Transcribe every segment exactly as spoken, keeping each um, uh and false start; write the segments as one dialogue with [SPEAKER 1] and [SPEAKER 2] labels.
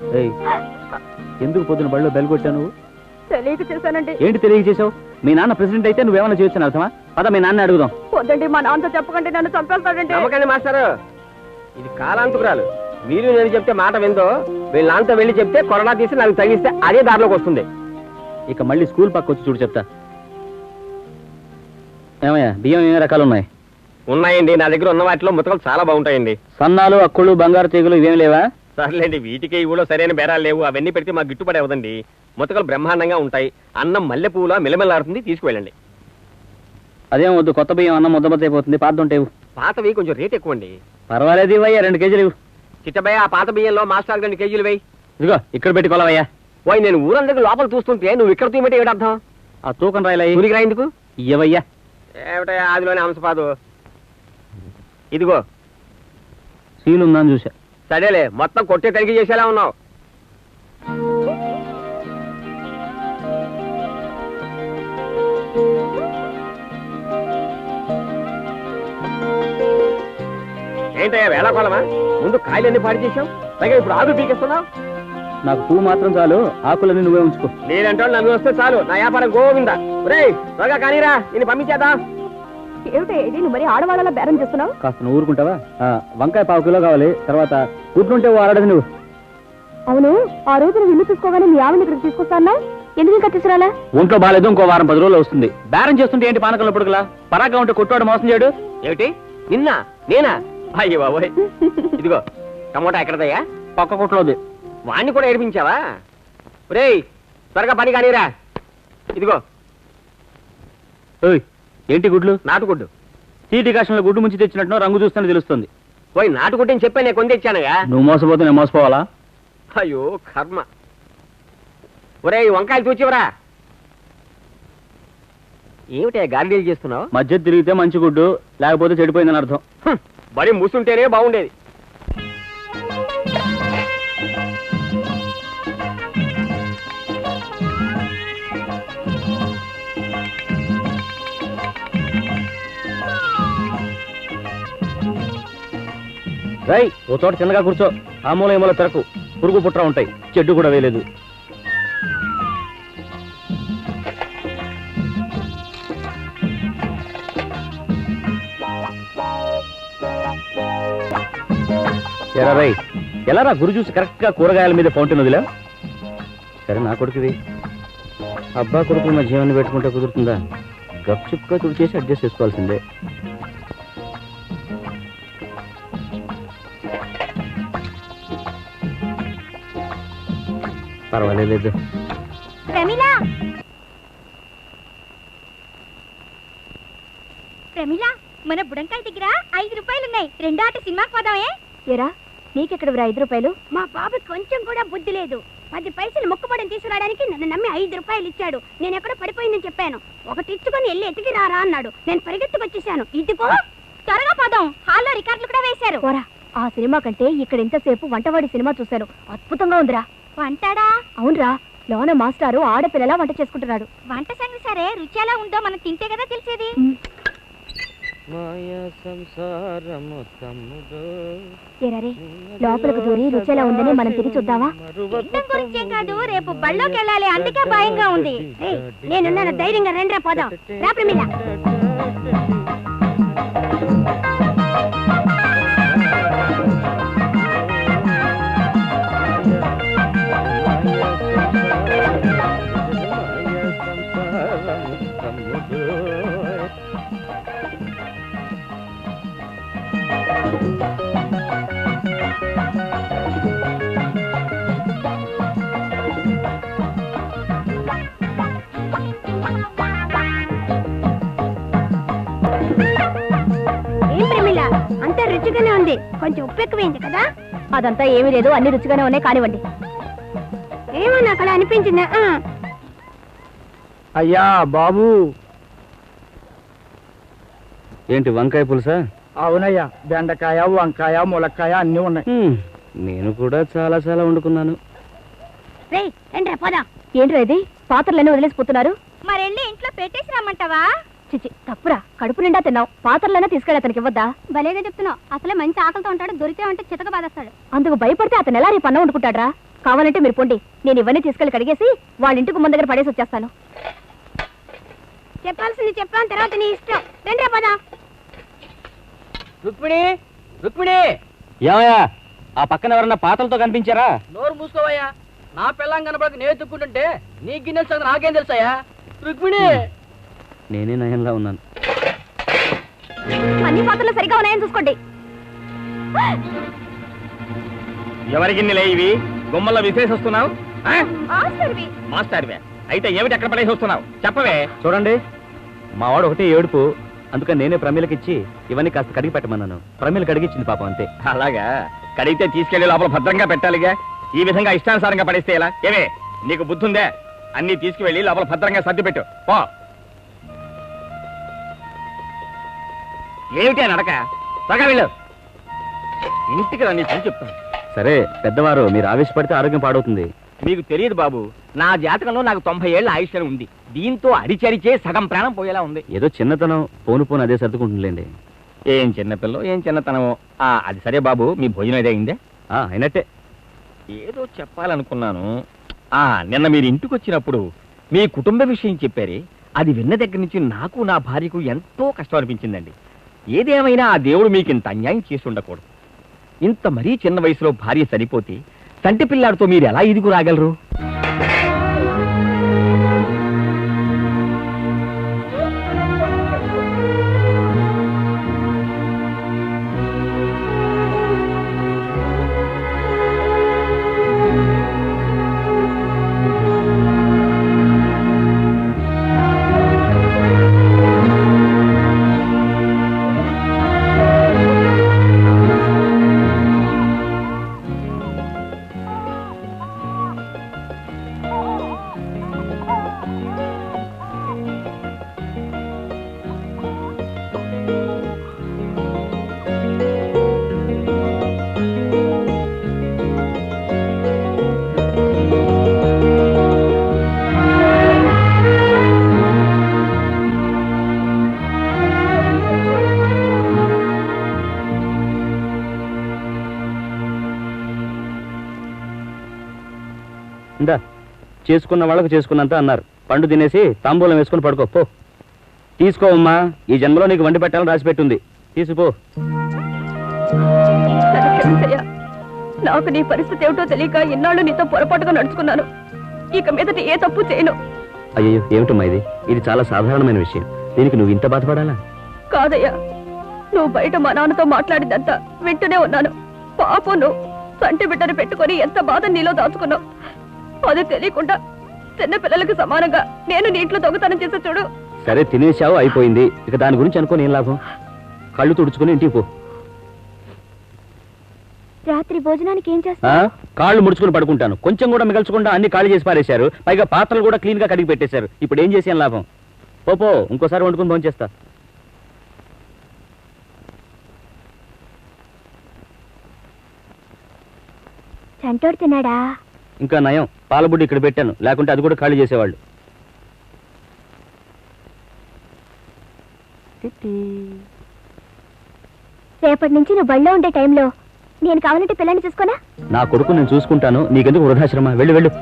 [SPEAKER 1] ఎందుకు పొద్దున బడిలో బెల్ కొట్టావు నువ్వు?
[SPEAKER 2] తెలియక చేశానండి.
[SPEAKER 1] ఏంటి తెలియక చేసావు? మీ నాన్న ప్రెసిడెంట్ అయితే నువ్వేమైనా చేయొచ్చు అర్థమా? పద మీ నాన్న అడుగుదాం.
[SPEAKER 2] వద్దండి, మా నాన్నతో చెప్పకండి, నన్ను చంపేస్తాడండి.
[SPEAKER 3] నమ్మకండి మాస్టారు, ఇది కాలాంతకురాలు. మీరు నేను చెప్తే మాట విందో వీళ్ళ నాన్నతో వెళ్ళి చెప్తే కొరడా తీసి నాకు తగిలిస్తే అదే దారిలోకి వస్తుంది.
[SPEAKER 1] ఇక మళ్ళీ స్కూల్ పక్క వచ్చి చూడు చెప్తా. ఏమయ్యా బియ్యం ఏ రకాలు ఉన్నాయి?
[SPEAKER 3] ఉన్నాయండి, నా దగ్గర ఉన్న వాటిలో ముతకలు చాలా బాగుంటాయండి.
[SPEAKER 1] సన్నాలు, అక్కులు, బంగారు తీగలు ఇవేం లేవా?
[SPEAKER 3] సర్లేండి, వీటికి ఈ ఊళ్ళో సరైన బేరాలు లేవు. అవన్నీ పెడితే మాకు గిట్టుబడి అవదండి. ముతకలు బ్రహ్మాండంగా ఉంటాయి. అన్నం మల్లె పువ్వులా మిలమిలాడుతుంది, తీసుకువెళ్ళండి.
[SPEAKER 1] అదేం వద్దు, కొత్త బియ్యం అన్నం ముద్దబద్ద అయిపోతుంది. పాత ఉంటాయి.
[SPEAKER 3] పాతవి కొంచెం రేట్ ఎక్కువ అండి.
[SPEAKER 1] పర్వాలేదు ఇవయ్యా, రెండు కేజీలు ఇవ్వు.
[SPEAKER 3] చిట్టబయ్య, ఆ పాత బియ్యంలో మాస్టర్ రెండు కేజీలు వేయి.
[SPEAKER 1] ఇదిగో ఇక్కడ పెట్టి కొలవయ్యా.
[SPEAKER 3] పోయి నేను ఊరందరికీ లోపల చూస్తుంటే నువ్వు ఇక్కడ తీయమంటే ఏమిటి అర్థం?
[SPEAKER 1] ఆ తూకం రాయలే
[SPEAKER 3] ఊరికి రాయిందుకు
[SPEAKER 1] ఇవ్వయ్యా.
[SPEAKER 3] ఏమిటయ్యా ఆదిలోనే అంశపాదు. ఇదిగో
[SPEAKER 1] సీలు ఉందని చూసా.
[SPEAKER 3] సరేలే, మొత్తం కొట్టే తనిఖీ చేసేలా ఉన్నావు. ఏంటయ్యా వేళాకోళమా? ముందు కాయలన్నీ పాడు చేసావు, పైగా ఇప్పుడు ఆకు పీకేస్తున్నావు.
[SPEAKER 1] నాకు పువ్వు మాత్రం చాలు, ఆకులన్నీ నువ్వే ఉంచుకో.
[SPEAKER 3] నేనంటే నన్ను వస్తే చాలు, నా వ్యాపారం గోవిందా. ఒరేయ్ త్వరగా కానీరా, నేను పంపించేదా.
[SPEAKER 2] ఏమిటి ఇది, నువ్వు మరి ఆడవాళ్ళ బేరం చేస్తున్నావు?
[SPEAKER 1] కాస్త నువ్వు ఊరుకుంటావా? వంకాయ పావు కిలో కావాలి. తర్వాత కూర్చుంటే ఆడదు నువ్వు.
[SPEAKER 2] అవును, ఆ రోజు నువ్వు ఇల్లు తీసుకోగానే మీ ఆవిడ ఇక్కడికి తీసుకొస్తానా? ఎందుకు ఇంకా తీసుకురాలా?
[SPEAKER 1] ఒంట్లో బాగాలేదు, ఇంకో వారం పది రోజులు వస్తుంది. బేరం చేస్తుంటే ఏంటి పానకంలో పుడకలా? పరాగా ఉంటే కొట్టువాడు మోసం చేయడు.
[SPEAKER 3] ఏమిటి నిన్న నేనా? అయ్యో బాబోయ్. ఇదిగో టమోటా ఎక్కడదయ్యా?
[SPEAKER 1] పక్క కొట్లోది.
[SPEAKER 3] వాణ్ణి కూడా ఏడిపించావా? ఒరేయ్ త్వరగా పని కానీరా. ఇదిగో
[SPEAKER 1] ఏంటి గుడ్లు?
[SPEAKER 3] నాటుగుడ్డు.
[SPEAKER 1] తీటి కాశంలో గుడ్డు ముంచి తెచ్చినట్టు రంగు చూస్తేనే తెలుస్తుంది.
[SPEAKER 3] పోయి నాటుగుడ్డు అని చెప్పా, నేను కొని తెచ్చానుగా.
[SPEAKER 1] నువ్వు మోసపోతే నేను మోసపోవాలా?
[SPEAKER 3] అయ్యో కర్మ. ఒరేయ్ వంకాయలు చూచివరా. ఏమిటే గార్డీలు చేస్తున్నావు?
[SPEAKER 1] మధ్య తిరిగితే మంచి గుడ్డు, లేకపోతే చెడిపోయిందని అర్థం.
[SPEAKER 3] బడి మూసుంటేనే బాగుండేది.
[SPEAKER 1] రై ఓ చోట చిన్నగా కూర్చో. ఆ మూల ఏమో తెరకు, పురుగు పుట్ర ఉంటాయి. చెడ్డు కూడా వేయలేదు. ఎరా రై, ఎలా రా గురు చూసి కరెక్ట్ గా కూరగాయల మీద ఫౌంటైన్ వదిలా? సరే నా కొడుకువి. అబ్బా కొడుకుల మధ్య ఏమని పెట్టుకుంటే కుదురుతుందా? గప్ చుప్గా తుడి చేసి అడ్జస్ట్ చేసుకోవాల్సిందే. పర్వాలేదు.
[SPEAKER 2] ప్రమిళ, ప్రమిళ, మన బుడంకాయ దగ్గర ఐదు రూపాయలు ఉన్నాయి. రెండో ఆట సినిమాకి పోదామే. ఏరా నీకెక్కడ ఐదు రూపాయలు? మా బాబు కొంచెం కూడా బుద్ధి లేదు. పది పైసలు మొక్కుబడిని తీసుకురావడానికి నన్ను నమ్మి ఐదు రూపాయలు ఇచ్చాడు. నేను ఎక్కడో పడిపోయిందని చెప్పాను. ఒకటి ఇచ్చుకొని వెళ్ళి ఎతికి రారా అన్నాడు. నేను పరిగెత్తుకొచ్చేసాను. ఇదిగో త్వరగా పోదాం, హాల్లో రికార్డులు కూడా వేశారు. ఆ సినిమా కంటే ఇక్కడ ఎంతసేపు వంటవాడి సినిమా చూశాను. అద్భుతంగా ఉందిరా. వంటాడా? అవునరా, లోన మాస్టారు ఆడపిల్లలా వంట చేసుకుంటున్నాడు. వంట సంగతి సరే, రుచి ఎలా ఉందో మనం తింటే కదా తెలిసేది. లోపలికి దూరి రుచి ఎలా ఉందని మనం తిరిగి చూద్దామా? గురించే కాదు, రేపు బళ్ళోకి వెళ్ళాలి, అందుకే భయంగా ఉంది. నేనున్నాను, ధైర్యంగా రెండ్రా పోదాం. రాత్రి మీద అంతా రుచిగానే ఉంది. కొంచెం ఉప్పు ఎక్కువైంది కదా? అదంతా ఏమీ లేదు, అన్ని రుచిగానే ఉన్నాయి. కానివ్వండి. ఏమో నాకు అలా అనిపించింది.
[SPEAKER 1] అయ్యా బాబు. ఏంటి వంకాయ పులుసా?
[SPEAKER 4] అవునయ్యా, బెండకాయ, వంకాయ, ములక్కాయ అన్ని ఉన్నాయి.
[SPEAKER 1] నేను కూడా చాలా చాలా వండుకున్నాను.
[SPEAKER 2] ఏంట్రా ఇది, పాత్రలన్నీ వదిలేసిపోతున్నారు? మరెళ్ళి ఇంట్లో పెట్టేసి రమ్మంటావా? చిచి తప్పురా, కడుపు నిండా తిన్నావు. పాత్రలైనా తీసుకెళ్ళి అతనికి ఇవ్వద్దా? భలేగా చెప్తున్నావు. అసలే మంచి ఆకలితో ఉంటాడు, దొరికే అంటే చితక బాధేస్తాడు. అందుకు భయపడితే అతను ఎలా రేపు అన్నం వండుకుంటాడ్రా? కావాలంటే మీరు పొండి, నేను ఇవన్నీ తీసుకెళ్ళి కడిగేసి వాళ్ళ ఇంటికి ముందు దగ్గర పడేసి వచ్చేస్తాను. చెప్పాల్సింది చెప్పాను, తర్వాత నీ ఇష్టం. రండి పద.
[SPEAKER 3] రుక్మిణి, రుక్మిణి,
[SPEAKER 1] ఏమయ్యా ఆ పక్కన ఎవరన్నా పాతలతో కనిపించారా?
[SPEAKER 3] నోరు మూసుకోవయ్యా. నా పిల్లం కనపడక నేను ఎత్తుక్కుంటుంటే నీ గిన్నెలు సంగతి నాకేం తెలుసాయా? రుక్మిణి,
[SPEAKER 1] నేనే నయంగా ఉన్నాను.
[SPEAKER 2] అన్ని పాత్రలు సరిగా ఉన్నాయని చూసుకోండి.
[SPEAKER 1] ఎవరి గిన్నెలే ఇవి? గుమ్మల్లో విశేషిస్తున్నావు?
[SPEAKER 2] మాస్టర్వి.
[SPEAKER 1] మాస్టర్వే అయితే ఏమిటి ఎక్కడ పడేసి వస్తున్నావు? చెప్పవే. చూడండి, మా వాడు ఒకటే ఏడుపు, అందుకని నేనే ప్రమీలకి ఇచ్చి ఇవన్నీ కాస్త కడిగి పెట్టమన్నాను. ప్రమీల కడిగిచ్చింది పాపం, అంతే. అలాగా? కడిగితే తీసుకెళ్లి లోపల భద్రంగా పెట్టాలిగా. ఈ విధంగా ఇష్టానుసారంగా పడేస్తే ఎలా? ఏమే నీకు బుద్ధి ఉందే? అన్ని తీసుకువెళ్ళి లోపల భద్రంగా సర్ది పెట్టు పో. ఏమిటి నడక? త్వరగా వెళ్ళు. ఇంటికి రండి చెప్తాను. సరే పెద్దవారు, మీరు ఆవేశపడితే ఆరోగ్యం పాడవుతుంది.
[SPEAKER 3] మీకు తెలియదు బాబు, నా జాతకంలో నాకు తొంభై ఏళ్ళ ఆయుష్ ఉంది. దీంతో అరిచరిచే సగం ప్రాణం పోయేలా ఉంది.
[SPEAKER 1] ఏదో చిన్నతనం, పోను పోను అదే సర్దుకుంటుందిలేండి.
[SPEAKER 3] ఏం చిన్నపిల్లో, ఏం చిన్నతనమో. ఆ అది సరే బాబు, మీ భోజనం ఏదో అయిందే?
[SPEAKER 1] ఆ అయినట్టే.
[SPEAKER 3] ఏదో చెప్పాలనుకున్నాను. ఆ నిన్న మీరు ఇంటికి వచ్చినప్పుడు మీ కుటుంబ విషయం చెప్పారే, అది విన్న దగ్గర నుంచి నాకు నా భార్యకు ఎంతో కష్టం అనిపించిందండి. ఏదేమైనా ఆ దేవుడు మీకు ఇంత అన్యాయం చేసి ఉండకూడదు. ఇంత మరీ చిన్న వయసులో భార్య సరిపోతే సంటి పిల్లాడితో మీరు ఎలా ఇదిగు రాగలరు?
[SPEAKER 1] ఇందా చేసుకున్న వాళ్ళకు చేసుకున్నంత అన్నారు. పండు తినేసి తాంబూలం వేసుకుని పడుకో. తీసుకోవమ్మా, ఈ జన్మలో నీకు వండి పెట్టాలని రాసి పెట్టుంది. తీసుకో.
[SPEAKER 2] నాకు నీ పరిస్థితి ఏమిటో తెలియక ఇన్నాళ్ళు నీతో పొరపాటుగా నడుచుకున్నాను. ఇక మీదట ఏ తప్పు చేయను.
[SPEAKER 1] అయ్యో ఏమిటమ్మా ఇది? ఇది చాలా సాధారణమైన విషయం. దీనికి నువ్వు ఇంత బాధపడాలా?
[SPEAKER 2] కాదయ్యా, నువ్వు బయట మా నాన్నతో మాట్లాడిందంతా వింటూనే ఉన్నాను. పాపం నువ్వు సంటి బిడ్డను పెట్టుకొని ఎంత బాధ నీలో దాచుకున్నావు. అది తెలియకుండా చిన్న పిల్లలకు సమానంగా నేను నీటిలో దొంగతనం చేసే చూడు.
[SPEAKER 1] సరే తినేసావు, అయిపోయింది. ఇక దాని గురించి అనుకోని ఏం లాభం? కళ్ళు తుడుచుకుని ఇంటికి పో.
[SPEAKER 2] రాత్రి భోజనానికి ఏం చేస్తా?
[SPEAKER 1] కాళ్ళు ముడుచుకుని పడుకుంటాను. కొంచెం కూడా మిగల్చకుండా అన్ని ఖాళీ చేసి పారేశారు. పైగా పాత్రలు కూడా క్లీన్ గా కడిగి పెట్టేశారు. ఇప్పుడు ఏం చేసేం లాభం? పోపో, ఇంకోసారి వండుకుని భోజనం చేస్తా.
[SPEAKER 2] చంటోడు తిన్నాడా?
[SPEAKER 1] ఇంకా నయం, పాలబుడ్డి ఇక్కడ పెట్టాను, లేకుంటే అది కూడా ఖాళీ చేసేవాళ్ళు.
[SPEAKER 2] రేపటి నుంచి నువ్వు బళ్ళో ఉండే టైంలో నేను కావాలంటే పిల్లని చూసుకోనా?
[SPEAKER 1] నా కొడుకు నేను చూసుకుంటాను, నీకెందుకు వృధాశ్రమ? వెళ్ళు వెళ్ళు.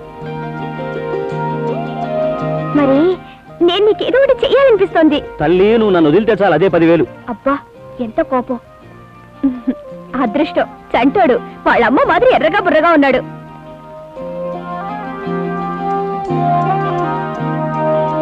[SPEAKER 2] మరి నేను నీకేదో ఒకటి చెయ్యాలనిపిస్తోంది.
[SPEAKER 1] తల్లి, నువ్వు నన్ను వదిలితే చాలు, అదే పదివేలు.
[SPEAKER 2] అబ్బా ఎంత కోపం. అదృష్టం, చంటోడు వాళ్ళమ్మ మాదిరి ఎర్రగా బుర్రగా ఉన్నాడు.